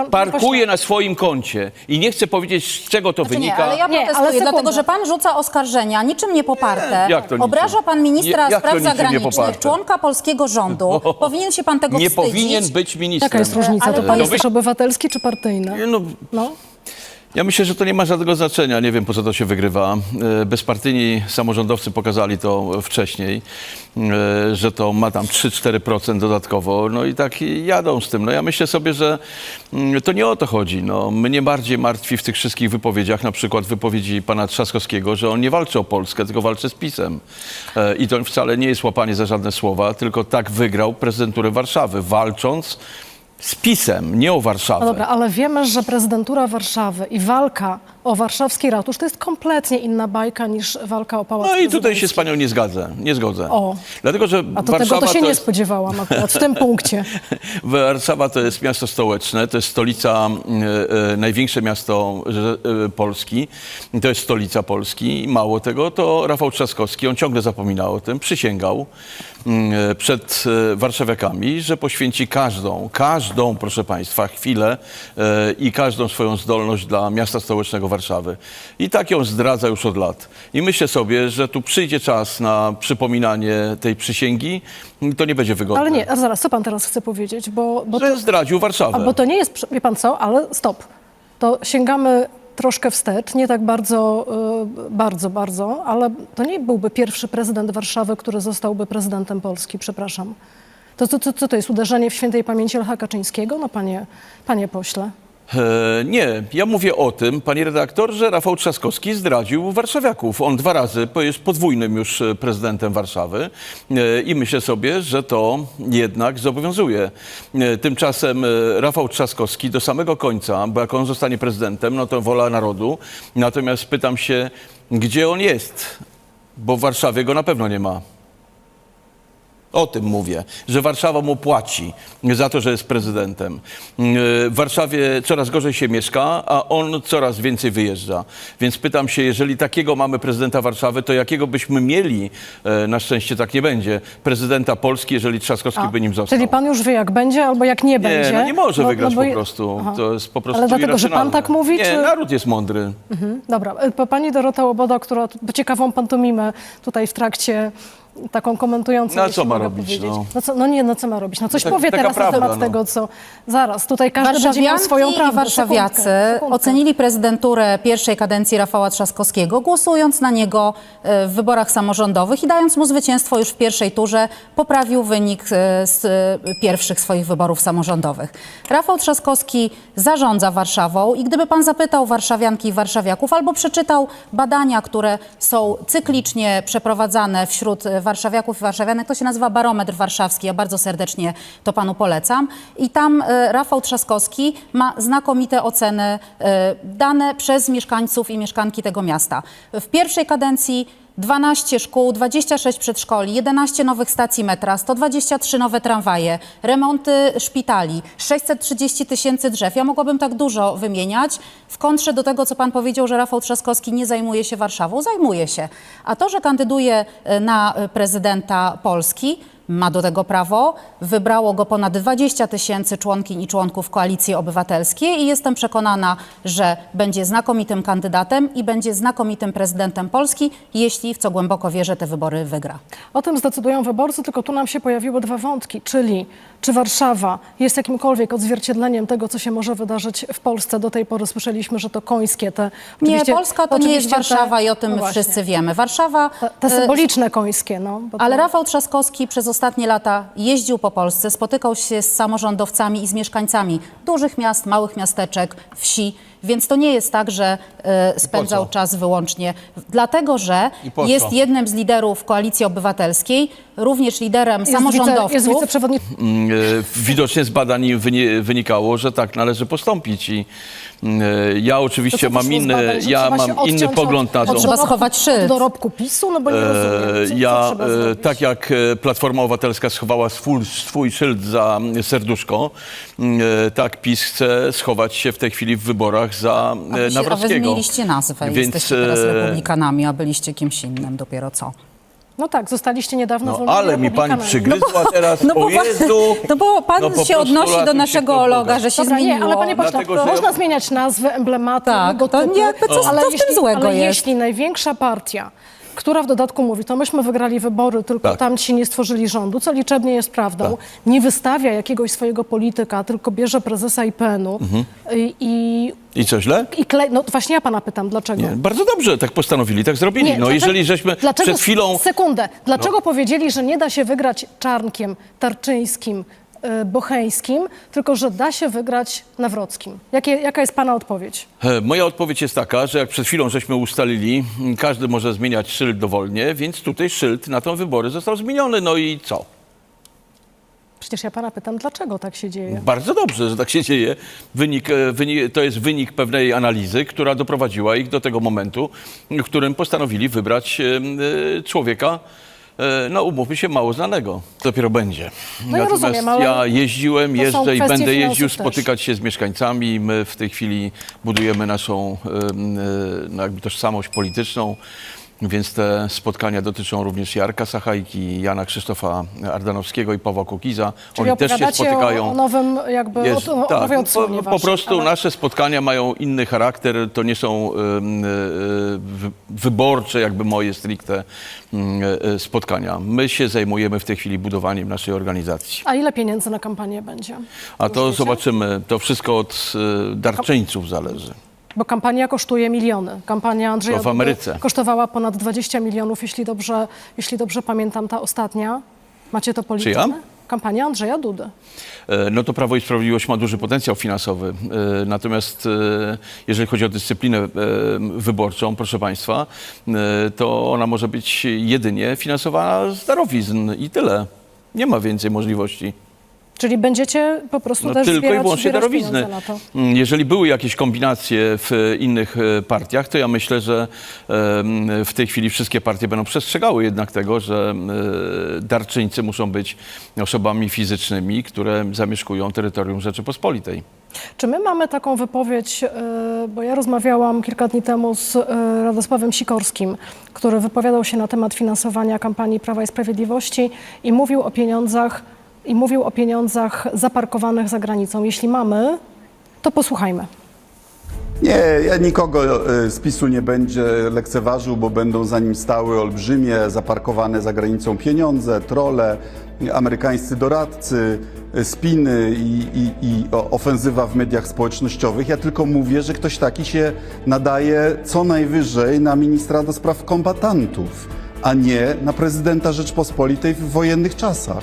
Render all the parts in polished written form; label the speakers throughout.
Speaker 1: parkuje na swoim koncie i nie chce powiedzieć, z czego to wynika.
Speaker 2: Nie, ale ja protestuję, dlatego że pan rzuca oskarżenia, niczym nie poparte.
Speaker 1: Jak to niczym?
Speaker 2: Obraża pan ministra
Speaker 1: Jak to
Speaker 2: spraw
Speaker 1: niczym nie
Speaker 2: zagranicznych,
Speaker 1: poparte?
Speaker 2: członka polskiego rządu. Powinien się pan tego
Speaker 1: Nie
Speaker 2: wstydzić.
Speaker 1: powinien być ministrem.
Speaker 3: Jaka jest różnica?
Speaker 2: Ale
Speaker 3: To pan jest
Speaker 1: wy-
Speaker 3: też obywatelski czy partyjny? No.
Speaker 1: Ja myślę, że to nie ma żadnego znaczenia. Nie wiem, po co to się wygrywa. Bezpartyjni samorządowcy pokazali to wcześniej, że to ma tam 3-4% dodatkowo. No i tak jadą z tym. No ja myślę sobie, że to nie o to chodzi. No, mnie bardziej martwi w tych wszystkich wypowiedziach, na przykład wypowiedzi pana Trzaskowskiego, że on nie walczy o Polskę, tylko walczy z PiS-em. I to wcale nie jest łapanie za żadne słowa, tylko tak wygrał prezydenturę Warszawy, walcząc z PiS-em, nie o Warszawę.
Speaker 3: No dobra, ale wiemy, że prezydentura Warszawy i walka o warszawski ratusz to jest kompletnie inna bajka niż walka o Pałac
Speaker 1: No i tutaj się
Speaker 3: Prezydencki.
Speaker 1: z panią nie zgodzę.
Speaker 3: O.
Speaker 1: Dlatego, że
Speaker 3: A to
Speaker 1: Warszawa
Speaker 3: tego to się nie
Speaker 1: jest,
Speaker 3: spodziewałam akurat w tym punkcie.
Speaker 1: Warszawa to jest miasto stołeczne, to jest stolica, największe miasto Polski, to jest stolica Polski. I mało tego, to Rafał Trzaskowski, on ciągle zapomina o tym, przysięgał przed warszawiakami, że poświęci każdą, proszę państwa, chwilę i każdą swoją zdolność dla miasta stołecznego Warszawy. I tak ją zdradza już od lat. I myślę sobie, że tu przyjdzie czas na przypominanie tej przysięgi, to nie będzie wygodne.
Speaker 3: Ale nie, a zaraz, co pan teraz chce powiedzieć? Bo
Speaker 1: Że zdradził Warszawę.
Speaker 3: bo to nie jest, wie pan co, ale stop. To sięgamy troszkę wstecz, nie tak bardzo, ale to nie byłby pierwszy prezydent Warszawy, który zostałby prezydentem Polski, przepraszam. To co to jest, uderzenie w świętej pamięci Lecha Kaczyńskiego? No panie pośle.
Speaker 1: Nie, ja mówię o tym, panie redaktor, że Rafał Trzaskowski zdradził warszawiaków. On 2 razy jest podwójnym już prezydentem Warszawy i myślę sobie, że to jednak zobowiązuje. Tymczasem Rafał Trzaskowski do samego końca, bo jak on zostanie prezydentem, no to wola narodu. Natomiast pytam się, gdzie on jest, bo w Warszawie go na pewno nie ma. O tym mówię, że Warszawa mu płaci za to, że jest prezydentem. W Warszawie coraz gorzej się mieszka, a on coraz więcej wyjeżdża. Więc pytam się, jeżeli takiego mamy prezydenta Warszawy, to jakiego byśmy mieli, na szczęście tak nie będzie, prezydenta Polski, jeżeli Trzaskowski by nim został.
Speaker 3: Czyli pan już wie, jak będzie albo jak nie będzie.
Speaker 1: Nie, no nie może wygrać
Speaker 3: bo
Speaker 1: po prostu.
Speaker 3: Aha.
Speaker 1: To jest po prostu
Speaker 3: Ale dlatego, że pan
Speaker 1: irracjonalne.
Speaker 3: tak mówi,
Speaker 1: Nie,
Speaker 3: czy...
Speaker 1: naród jest mądry.
Speaker 3: Dobra, pani Dorota Łoboda, która ciekawą pantomimę tutaj w trakcie taką komentującą.
Speaker 1: No a
Speaker 3: jeśli
Speaker 1: co ma
Speaker 3: mogę
Speaker 1: robić,
Speaker 3: powiedzieć.
Speaker 1: no?
Speaker 3: No, co ma robić? No coś
Speaker 1: Tak-
Speaker 3: powie
Speaker 1: taka
Speaker 3: teraz
Speaker 1: prawda,
Speaker 3: na temat
Speaker 1: no.
Speaker 3: tego, co... Zaraz, tutaj każdy będzie miał swoją
Speaker 2: Warszawianki
Speaker 3: prawdę.
Speaker 2: i warszawiacy
Speaker 3: Sekundkę.
Speaker 2: ocenili prezydenturę pierwszej kadencji Rafała Trzaskowskiego, głosując na niego w wyborach samorządowych i dając mu zwycięstwo już w pierwszej turze, poprawił wynik z pierwszych swoich wyborów samorządowych. Rafał Trzaskowski zarządza Warszawą i gdyby pan zapytał warszawianki i warszawiaków albo przeczytał badania, które są cyklicznie przeprowadzane wśród warszawiaków i warszawianek, to się nazywa Barometr Warszawski, ja bardzo serdecznie to panu polecam. I tam Rafał Trzaskowski ma znakomite oceny dane przez mieszkańców i mieszkanki tego miasta. W pierwszej kadencji 12 szkół, 26 przedszkoli, 11 nowych stacji metra, 123 nowe tramwaje, remonty szpitali, 630 000 drzew. Ja mogłabym tak dużo wymieniać w kontrze do tego, co pan powiedział, że Rafał Trzaskowski nie zajmuje się Warszawą. Zajmuje się. A to, że kandyduje na prezydenta Polski, ma do tego prawo. Wybrało go ponad 20 000 członkiń i członków Koalicji Obywatelskiej i jestem przekonana, że będzie znakomitym kandydatem i będzie znakomitym prezydentem Polski, jeśli, w co głęboko wierzę, te wybory wygra.
Speaker 3: O tym zdecydują wyborcy, tylko tu nam się pojawiły 2 wątki, czyli czy Warszawa jest jakimkolwiek odzwierciedleniem tego, co się może wydarzyć w Polsce. Do tej pory słyszeliśmy, że to końskie te...
Speaker 2: Nie, Polska to nie jest
Speaker 3: oczywiście
Speaker 2: Warszawa i o tym
Speaker 3: no właśnie.
Speaker 2: wszyscy wiemy. Warszawa...
Speaker 3: Te symboliczne końskie, no. Bo
Speaker 2: Ale
Speaker 3: to...
Speaker 2: Rafał Trzaskowski przez ostatnie lata jeździł po Polsce, spotykał się z samorządowcami i z mieszkańcami dużych miast, małych miasteczek, wsi. Więc to nie jest tak, że spędzał
Speaker 1: co?
Speaker 2: czas wyłącznie. Dlatego, że
Speaker 1: I po co?
Speaker 2: jest jednym z liderów Koalicji Obywatelskiej, również liderem samorządowców.
Speaker 3: Jest wiceprzewodniczący.
Speaker 1: Widocznie z badań wynikało, że tak należy postąpić i ja oczywiście mam inny pogląd na to.
Speaker 2: Trzeba schować szyld.
Speaker 3: Od dorobku PiS-u? No bo nie rozumiem, co
Speaker 1: Ja,
Speaker 3: trzeba zrobić?
Speaker 1: tak jak Platforma Obywatelska schowała swój szyld za serduszko, tak PiS chce schować się w tej chwili w wyborach za
Speaker 2: A wy
Speaker 1: Nawrockiego.
Speaker 2: zmieniliście nazwę.
Speaker 1: Więc,
Speaker 2: Jesteście teraz republikanami, a byliście kimś innym dopiero co.
Speaker 3: No tak, zostaliście niedawno
Speaker 1: No
Speaker 3: zwolnieni
Speaker 1: ale mi pani
Speaker 3: republikanami.
Speaker 1: przygryzła teraz,
Speaker 2: No bo,
Speaker 1: o Jezu!
Speaker 2: no bo pan
Speaker 1: No po
Speaker 2: się
Speaker 1: prostu
Speaker 2: odnosi do
Speaker 1: latem się
Speaker 2: naszego
Speaker 1: kto
Speaker 2: loga,
Speaker 1: Boga.
Speaker 2: że się
Speaker 3: Dobra,
Speaker 2: zmieniło.
Speaker 3: nie, ale panie pośle,
Speaker 1: Dlatego, że
Speaker 3: można
Speaker 1: ja-
Speaker 3: zmieniać nazwy, emblematy,
Speaker 2: Tak,
Speaker 3: logotypy,
Speaker 2: to jakby co w tym złego
Speaker 3: ale
Speaker 2: jest?
Speaker 3: jeśli największa partia, która w dodatku mówi, to myśmy wygrali wybory, tylko
Speaker 1: Tak.
Speaker 3: tamci nie stworzyli rządu, co liczebnie jest prawdą,
Speaker 1: Tak.
Speaker 3: nie wystawia jakiegoś swojego polityka, tylko bierze prezesa IPN-u
Speaker 1: I co, źle?
Speaker 3: i klei... No właśnie ja pana pytam, dlaczego?
Speaker 1: Nie, bardzo dobrze, tak postanowili, tak zrobili. No
Speaker 3: dlaczego-
Speaker 1: jeżeli żeśmy
Speaker 3: dlaczego,
Speaker 1: przed chwilą...
Speaker 3: Sekundę. Dlaczego powiedzieli, że nie da się wygrać Czarnkiem, Tarczyńskim, Bocheńskim, tylko że da się wygrać Nawrockim? Jaka jest pana odpowiedź?
Speaker 1: Moja odpowiedź jest taka, że jak przed chwilą żeśmy ustalili, każdy może zmieniać szyld dowolnie, więc tutaj szyld na te wybory został zmieniony. No i co?
Speaker 3: Przecież ja pana pytam, dlaczego tak się dzieje?
Speaker 1: Bardzo dobrze, że tak się dzieje. To jest wynik pewnej analizy, która doprowadziła ich do tego momentu, w którym postanowili wybrać człowieka, no umówmy się, mało znanego. Dopiero będzie.
Speaker 3: No ja rozumiem, ale
Speaker 1: ja jeździłem,
Speaker 3: to są
Speaker 1: jeżdżę i
Speaker 3: kwestie
Speaker 1: będę jeździł
Speaker 3: finansów też.
Speaker 1: spotykać się z mieszkańcami. My w tej chwili budujemy naszą no jakby tożsamość polityczną. Więc te spotkania dotyczą również Jarka Sachajki, Jana Krzysztofa Ardanowskiego i Pawła Kukiza.
Speaker 3: Czyli
Speaker 1: Oni też się
Speaker 3: opowiadacie
Speaker 1: spotykają.
Speaker 3: o nowym jakby,
Speaker 1: Jest,
Speaker 3: o
Speaker 1: tak,
Speaker 3: nowej odsłonie
Speaker 1: po
Speaker 3: waszej,
Speaker 1: prostu
Speaker 3: ale-
Speaker 1: nasze spotkania mają inny charakter. To nie są wyborcze, jakby moje stricte spotkania. My się zajmujemy w tej chwili budowaniem naszej organizacji.
Speaker 3: A ile pieniędzy na kampanię będzie?
Speaker 1: A to
Speaker 3: Wiecie?
Speaker 1: zobaczymy. To wszystko od darczyńców zależy.
Speaker 3: Bo kampania kosztuje miliony. Kampania Andrzeja
Speaker 1: To w
Speaker 3: Dudy
Speaker 1: Ameryce.
Speaker 3: kosztowała ponad 20 milionów, jeśli dobrze pamiętam, ta ostatnia. Macie to policzone?
Speaker 1: Czyja?
Speaker 3: Kampania Andrzeja Dudy.
Speaker 1: No to Prawo i Sprawiedliwość ma duży potencjał finansowy. Natomiast jeżeli chodzi o dyscyplinę wyborczą, proszę Państwa, to ona może być jedynie finansowana z darowizn i tyle. Nie ma więcej możliwości.
Speaker 3: Czyli będziecie po prostu
Speaker 1: No,
Speaker 3: też
Speaker 1: tylko i
Speaker 3: zbierać,
Speaker 1: wyłącznie
Speaker 3: zbierać
Speaker 1: darowizny.
Speaker 3: pieniądze na to.
Speaker 1: Jeżeli były jakieś kombinacje w innych partiach, to ja myślę, że w tej chwili wszystkie partie będą przestrzegały jednak tego, że darczyńcy muszą być osobami fizycznymi, które zamieszkują terytorium Rzeczypospolitej.
Speaker 3: Czy my mamy taką wypowiedź, bo ja rozmawiałam kilka dni temu z Radosławem Sikorskim, który wypowiadał się na temat finansowania kampanii Prawa i Sprawiedliwości i mówił o pieniądzach zaparkowanych za granicą. Jeśli mamy, to posłuchajmy.
Speaker 4: Nie, ja nikogo z PiS-u nie będzie lekceważył, bo będą za nim stały olbrzymie, zaparkowane za granicą pieniądze, trolle, amerykańscy doradcy, spiny i ofensywa w mediach społecznościowych. Ja tylko mówię, że ktoś taki się nadaje co najwyżej na ministra do spraw kombatantów, a nie na prezydenta Rzeczpospolitej w wojennych czasach.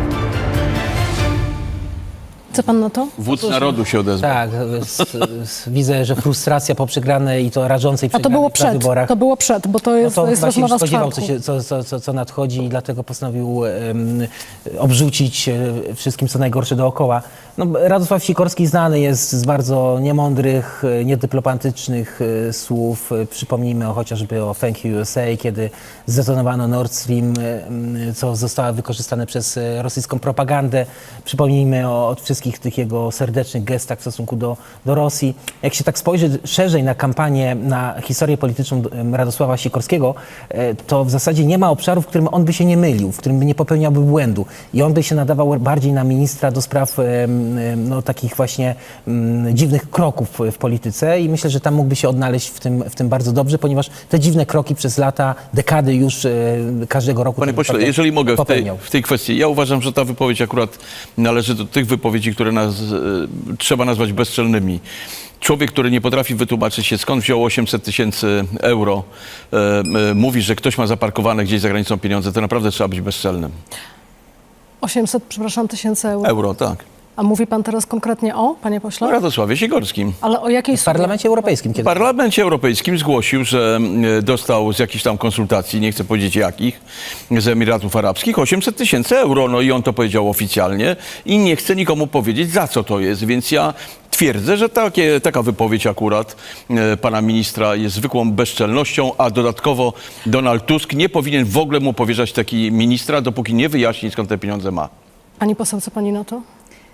Speaker 3: Co pan na to?
Speaker 1: Wódz narodu się odezwał.
Speaker 5: Tak, widzę, że frustracja po przegranej i to rażącej
Speaker 3: A to
Speaker 5: przegranej
Speaker 3: było
Speaker 5: na
Speaker 3: przed,
Speaker 5: wyborach.
Speaker 3: to było przed, bo to jest,
Speaker 5: No
Speaker 3: to jest
Speaker 5: chyba się już
Speaker 3: rozmowa z
Speaker 5: spodziewał,
Speaker 3: czwartku.
Speaker 5: co nadchodzi i dlatego postanowił obrzucić wszystkim, co najgorsze dookoła. No, Radosław Sikorski znany jest z bardzo niemądrych, niedyplomatycznych słów. Przypomnijmy chociażby o Thank You USA, kiedy zdetonowano Nord Stream, co zostało wykorzystane przez rosyjską propagandę. Przypomnijmy o wszystkich tych jego serdecznych gestach w stosunku do Rosji. Jak się tak spojrzy szerzej na kampanię, na historię polityczną Radosława Sikorskiego, to w zasadzie nie ma obszaru, w którym on by się nie mylił, w którym by nie popełniałby błędu. I on by się nadawał bardziej na ministra do spraw no, takich właśnie dziwnych kroków w polityce i myślę, że tam mógłby się odnaleźć w tym bardzo dobrze, ponieważ te dziwne kroki przez lata, dekady już każdego roku...
Speaker 1: Panie
Speaker 5: tak
Speaker 1: pośle,
Speaker 5: naprawdę
Speaker 1: jeżeli mogę
Speaker 5: popełniał.
Speaker 1: w tej kwestii, ja uważam, że ta wypowiedź akurat należy do tych wypowiedzi, które trzeba nazwać bezczelnymi. Człowiek, który nie potrafi wytłumaczyć się, skąd wziął 800 000 euro, mówi, że ktoś ma zaparkowane gdzieś za granicą pieniądze, to naprawdę trzeba być bezczelnym.
Speaker 3: 800, przepraszam, tysięcy euro.
Speaker 1: Euro, tak.
Speaker 3: A mówi pan teraz konkretnie o, panie pośle?
Speaker 1: O Radosławie Sikorskim.
Speaker 3: Ale o jakiej
Speaker 5: W Parlamencie Europejskim
Speaker 1: W
Speaker 5: kiedy...
Speaker 1: Parlamencie Europejskim zgłosił, że dostał z jakichś tam konsultacji, nie chcę powiedzieć jakich, z Emiratów Arabskich 800 000 euro. No i on to powiedział oficjalnie i nie chce nikomu powiedzieć, za co to jest. Więc ja twierdzę, że taka wypowiedź akurat pana ministra jest zwykłą bezczelnością, a dodatkowo Donald Tusk nie powinien w ogóle mu powierzać taki ministra, dopóki nie wyjaśni, skąd te pieniądze ma.
Speaker 3: Pani poseł, co pani na to?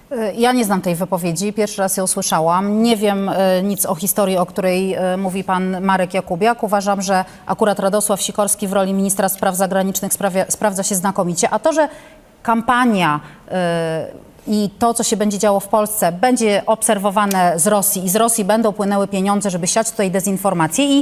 Speaker 2: Ja nie znam tej wypowiedzi, pierwszy raz ją słyszałam. Nie wiem nic o historii, o której mówi pan Marek Jakubiak. Uważam, że akurat Radosław Sikorski w roli ministra spraw zagranicznych sprawdza się znakomicie. A to, że kampania i to, co się będzie działo w Polsce, będzie obserwowane z Rosji i z Rosji będą płynęły pieniądze, żeby siać tutaj dezinformację i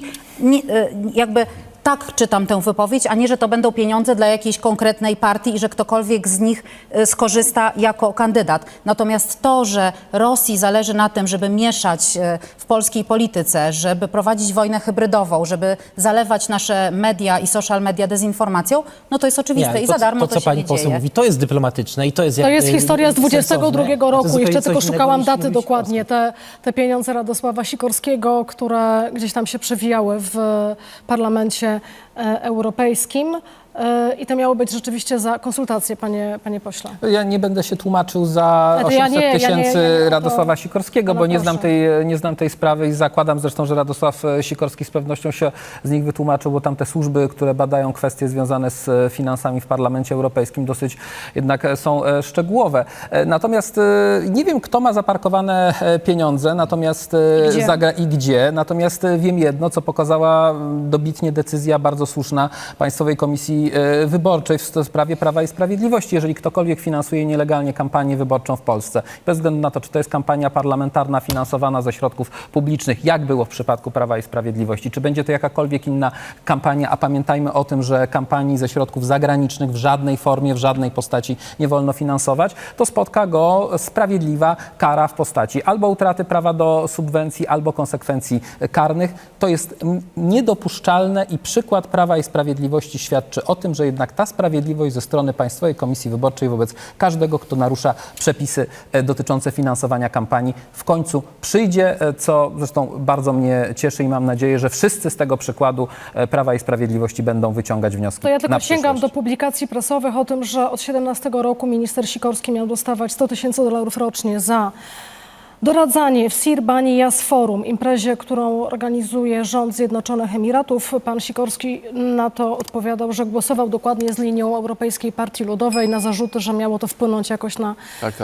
Speaker 2: jakby tak czytam tę wypowiedź, a nie, że to będą pieniądze dla jakiejś konkretnej partii i że ktokolwiek z nich skorzysta jako kandydat. Natomiast to, że Rosji zależy na tym, żeby mieszać w polskiej polityce, żeby prowadzić wojnę hybrydową, żeby zalewać nasze media i social media dezinformacją, no to jest oczywiste i za darmo to
Speaker 5: co
Speaker 2: się
Speaker 5: pani
Speaker 2: nie
Speaker 5: poseł
Speaker 2: dzieje.
Speaker 5: mówi, to jest dyplomatyczne i to jest
Speaker 3: To jest historia z 22
Speaker 5: sensowne. To
Speaker 3: roku.
Speaker 5: zupełnie
Speaker 3: Jeszcze
Speaker 5: coś
Speaker 3: tylko
Speaker 5: innego
Speaker 3: szukałam
Speaker 5: niż
Speaker 3: daty
Speaker 5: mówić
Speaker 3: dokładnie. Te pieniądze Radosława Sikorskiego, które gdzieś tam się przewijały w parlamencie europejskim. I to miało być rzeczywiście za konsultacje, panie pośle.
Speaker 6: Ja nie będę się tłumaczył za
Speaker 3: Ale to ja
Speaker 6: 800
Speaker 3: nie,
Speaker 6: tysięcy
Speaker 3: to
Speaker 6: Radosława Sikorskiego,
Speaker 3: pana
Speaker 6: bo
Speaker 3: proszę.
Speaker 6: nie znam tej sprawy i zakładam zresztą, że Radosław Sikorski z pewnością się z nich wytłumaczył, bo tam te służby, które badają kwestie związane z finansami w Parlamencie Europejskim dosyć jednak są szczegółowe. Natomiast nie wiem, kto ma zaparkowane pieniądze, natomiast i gdzie. Natomiast wiem jedno, co pokazała dobitnie decyzja bardzo słuszna Państwowej Komisji Wyborczej w sprawie Prawa i Sprawiedliwości. Jeżeli ktokolwiek finansuje nielegalnie kampanię wyborczą w Polsce, bez względu na to, czy to jest kampania parlamentarna finansowana ze środków publicznych, jak było w przypadku Prawa i Sprawiedliwości, czy będzie to jakakolwiek inna kampania, a pamiętajmy o tym, że kampanii ze środków zagranicznych w żadnej formie, w żadnej postaci nie wolno finansować, to spotka go sprawiedliwa kara w postaci albo utraty prawa do subwencji, albo konsekwencji karnych. To jest niedopuszczalne i przykład Prawa i Sprawiedliwości świadczy o tym, że jednak ta sprawiedliwość ze strony Państwowej Komisji Wyborczej wobec każdego, kto narusza przepisy dotyczące finansowania kampanii, w końcu przyjdzie, co zresztą bardzo mnie cieszy i mam nadzieję, że wszyscy z tego przykładu Prawa i Sprawiedliwości będą wyciągać wnioski
Speaker 3: To ja tylko
Speaker 6: na
Speaker 3: sięgam do
Speaker 6: przyszłość.
Speaker 3: publikacji prasowych o tym, że od 2017 roku minister Sikorski miał dostawać $100,000 rocznie za doradzanie w Sir Bani Yas Forum, imprezie, którą organizuje rząd Zjednoczonych Emiratów. Pan Sikorski na to odpowiadał, że głosował dokładnie z linią Europejskiej Partii Ludowej na zarzuty, że miało to wpłynąć jakoś
Speaker 1: Tak.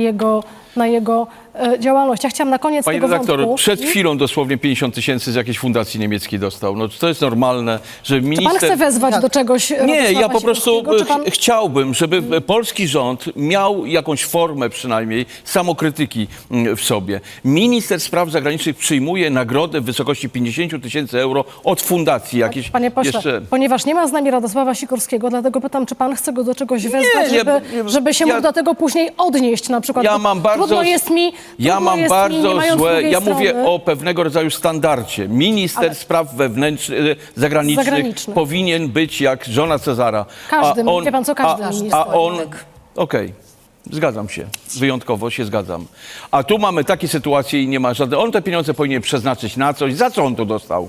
Speaker 3: na jego działalność. Ja chciałam na koniec
Speaker 1: Panie
Speaker 3: tego
Speaker 1: redaktor,
Speaker 3: wątku...
Speaker 1: przed chwilą dosłownie 50 tysięcy z jakiejś fundacji niemieckiej dostał. No to jest normalne, że
Speaker 3: Czy
Speaker 1: minister...
Speaker 3: pan chce wezwać do czegoś
Speaker 1: Nie,
Speaker 3: Radosława
Speaker 1: ja po prostu
Speaker 3: Sikorskiego, czy pan...
Speaker 1: chciałbym, żeby polski rząd miał jakąś formę przynajmniej samokrytyki w sobie. Minister Spraw Zagranicznych przyjmuje nagrodę w wysokości 50 tysięcy euro od fundacji jakiejś.
Speaker 3: Panie pośle, ponieważ nie ma z nami Radosława Sikorskiego, dlatego pytam, czy pan chce go do czegoś wezwać, żeby się mógł do tego później odnieść na przykład.
Speaker 1: Ja mam bardzo,
Speaker 3: trudno jest mi,
Speaker 1: ja mam
Speaker 3: nie
Speaker 1: bardzo
Speaker 3: mając
Speaker 1: złe,
Speaker 3: drugiej
Speaker 1: ja mówię
Speaker 3: strony.
Speaker 1: o pewnego rodzaju standardzie. Minister Spraw zagranicznych powinien być jak żona Cezara.
Speaker 3: Każdy, wie pan co, każdy minister.
Speaker 1: Okej. Zgadzam się. Wyjątkowo się zgadzam. A tu mamy takie sytuacje i nie ma żadnych... On te pieniądze powinien przeznaczyć na coś. Za co on to dostał?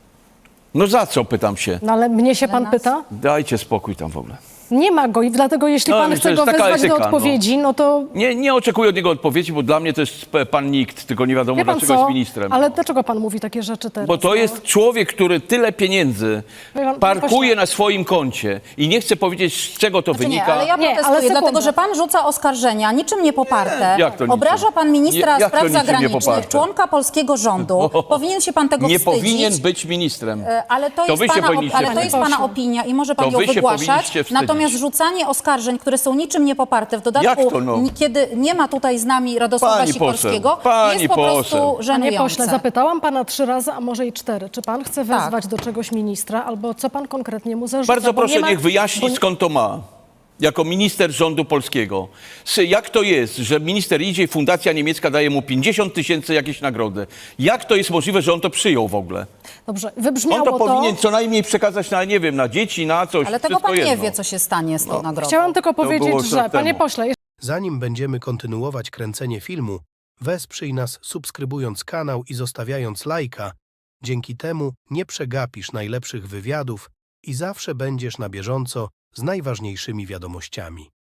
Speaker 1: No za co, pytam się.
Speaker 3: No ale mnie się pan pyta?
Speaker 1: Dajcie spokój tam w ogóle.
Speaker 3: Nie ma go i dlatego jeśli
Speaker 1: No,
Speaker 3: pan
Speaker 1: to
Speaker 3: chce
Speaker 1: jest
Speaker 3: go
Speaker 1: taka
Speaker 3: wezwać do
Speaker 1: etyka,
Speaker 3: odpowiedzi, no to...
Speaker 1: Nie oczekuję od niego odpowiedzi, bo dla mnie to jest pan nikt, tylko nie wiadomo
Speaker 3: Wie pan
Speaker 1: dlaczego
Speaker 3: co?
Speaker 1: jest ministrem.
Speaker 3: Ale dlaczego pan mówi takie rzeczy teraz?
Speaker 1: Bo to jest człowiek, który tyle pieniędzy
Speaker 3: pan
Speaker 1: parkuje
Speaker 3: pośle.
Speaker 1: na swoim koncie i nie chce powiedzieć, z czego to
Speaker 2: Znaczy
Speaker 1: wynika.
Speaker 2: nie, ale ja
Speaker 3: Nie, ale
Speaker 2: protestuję,
Speaker 3: sekundę.
Speaker 2: dlatego że pan rzuca oskarżenia, niczym nie poparte.
Speaker 1: Jak to niczym?
Speaker 2: Obraża pan ministra
Speaker 1: Jak to
Speaker 2: spraw
Speaker 1: niczym nie
Speaker 2: zagranicznych,
Speaker 1: poparte?
Speaker 2: członka polskiego rządu. Powinien się pan tego
Speaker 1: Nie
Speaker 2: wstydzić.
Speaker 1: powinien być ministrem.
Speaker 2: Ale to jest,
Speaker 1: wy się
Speaker 2: pana,
Speaker 1: powinniście
Speaker 2: ale to jest
Speaker 1: wstydzić.
Speaker 2: pana opinia i może pan
Speaker 1: To
Speaker 2: ją
Speaker 1: wy się
Speaker 2: wygłaszać.
Speaker 1: powinniście wstydzić.
Speaker 2: Natomiast rzucanie oskarżeń, które są niczym nie poparte, w dodatku,
Speaker 1: Jak to no?
Speaker 2: kiedy nie ma tutaj z nami Radosława
Speaker 1: Pani
Speaker 2: Sikorskiego,
Speaker 1: poseł, pani
Speaker 2: jest po prostu
Speaker 1: poseł.
Speaker 3: Panie
Speaker 2: żenujące.
Speaker 3: pośle, zapytałam pana 3 razy, a może i 4. Czy pan chce wezwać do czegoś ministra, albo co pan konkretnie mu zarzuca?
Speaker 1: Bardzo
Speaker 3: Bo
Speaker 1: proszę,
Speaker 3: nie ma-
Speaker 1: niech wyjaśni, skąd to ma. Jako minister rządu polskiego. Jak to jest, że minister idzie i fundacja niemiecka daje mu 50 tysięcy jakieś nagrody? Jak to jest możliwe, że on to przyjął w ogóle?
Speaker 3: Dobrze,
Speaker 1: On
Speaker 3: wybrzmiało
Speaker 1: to powinien co najmniej przekazać na, nie wiem, na dzieci, na coś.
Speaker 2: Ale tego
Speaker 1: wszystko
Speaker 2: pan nie
Speaker 1: jedno.
Speaker 2: wie, co się stanie z tą nagrodą.
Speaker 3: Chciałam tylko
Speaker 1: było
Speaker 3: powiedzieć,
Speaker 1: rok
Speaker 3: że panie
Speaker 1: temu.
Speaker 3: pośle,
Speaker 7: Zanim będziemy kontynuować kręcenie filmu, wesprzyj nas subskrybując kanał i zostawiając lajka. Dzięki temu nie przegapisz najlepszych wywiadów i zawsze będziesz na bieżąco z najważniejszymi wiadomościami.